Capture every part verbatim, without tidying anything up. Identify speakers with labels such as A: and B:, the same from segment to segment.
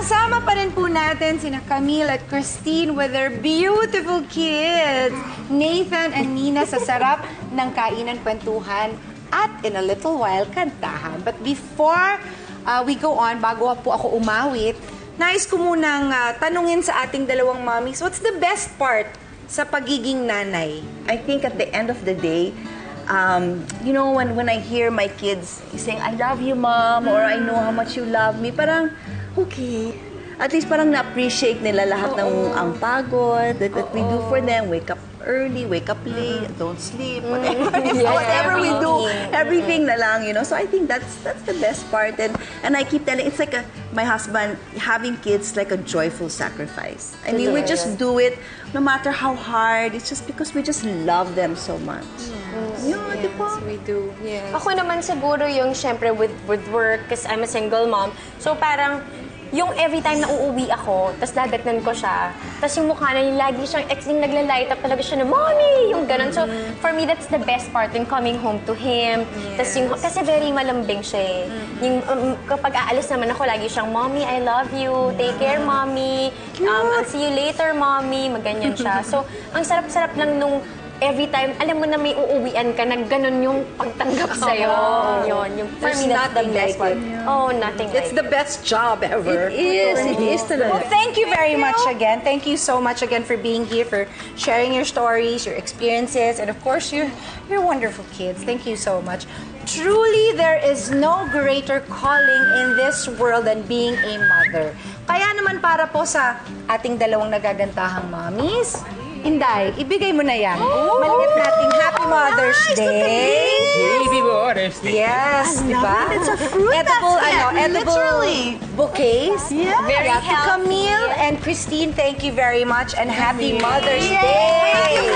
A: Kasama pa rin po natin sina Camille at Christine with their beautiful kids. Nathan and Nina sa sarap ng kainan, kwentuhan, at in a little while, kantahan. But before uh, we go on, bago po ako umawit, nais ko munang uh, tanungin sa ating dalawang mommies, what's the best part sa pagiging nanay?
B: I think at the end of the day, um, you know, when, when I hear my kids saying, I love you, Mom, or I know how much you love me, parang, okay. At least parang na-appreciate nila lahat ng ang pagod that, that we do for them. Wake up early, wake up late, don't sleep, whatever,
C: Yeah,
B: whatever we do,
C: everything.
B: everything na lang, you know. So I think that's that's the best part. And and I keep telling, it's like a, my husband, having kids like a joyful sacrifice. I mean, we just do it no matter how hard. It's just because we just love them so much.
A: Yes,
B: Yeah, di ba?
A: we do. Yes.
C: Ako naman siguro yung syempre with, with work, kasi I'm a single mom. So parang yung every time na uuwi ako, tapos dadatnan ko siya, tapos yung mukha na yung lagi siyang, yung nagla-light up talaga siya na, Mommy! Yung ganun. So, for me, that's the best part, yung coming home to him.
A: Yes.
C: Tapos yung, kasi very malambing siya eh. Yung, um, kapag aalis naman ako, lagi siyang, Mommy, I love you. Take care, Mommy. Um, I'll see you later, Mommy. Maganyan siya. So, ang sarap-sarap lang nung every time, alam mo na may uuwian ka, na ganun yung pagtanggap sa'yo.
A: Oh.
C: Yun, yung, for
A: There's
C: me, that's the
A: nothing
C: best
A: like
C: part.
A: it.
C: Oh, nothing
A: It's
C: like
A: the best job ever.
B: It is, it is
A: Well,
B: talaga.
A: thank you very much again. Thank you so much again for being here, for sharing your stories, your experiences, and of course, your, your wonderful kids. Thank you so much. Truly, there is no greater calling in this world than being a mother. Kaya naman para po sa ating dalawang nagagantahang mommies, Inday, ibigay mo na yan. Maliit nating Happy Mother's Day.
D: Baby Mother's Day.
A: Yes, di ba?
B: It's a fruit
A: Edible,
B: basket,
A: ano, edible
B: literally.
A: bouquets.
B: Yeah.
C: Very
A: Yeah, to
C: healthy.
A: Camille and Christine, thank you very much and Happy Mother's Day.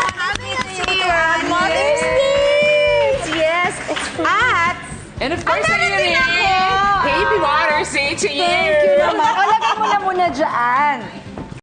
A: Happy Mother's Day. Yes. At,
D: And of course,
A: Ang
D: ayun
A: darating
D: eh.
A: ako.
D: Baby Mother's Day to you.
A: thank you naman. O, lagay mo na muna dyan.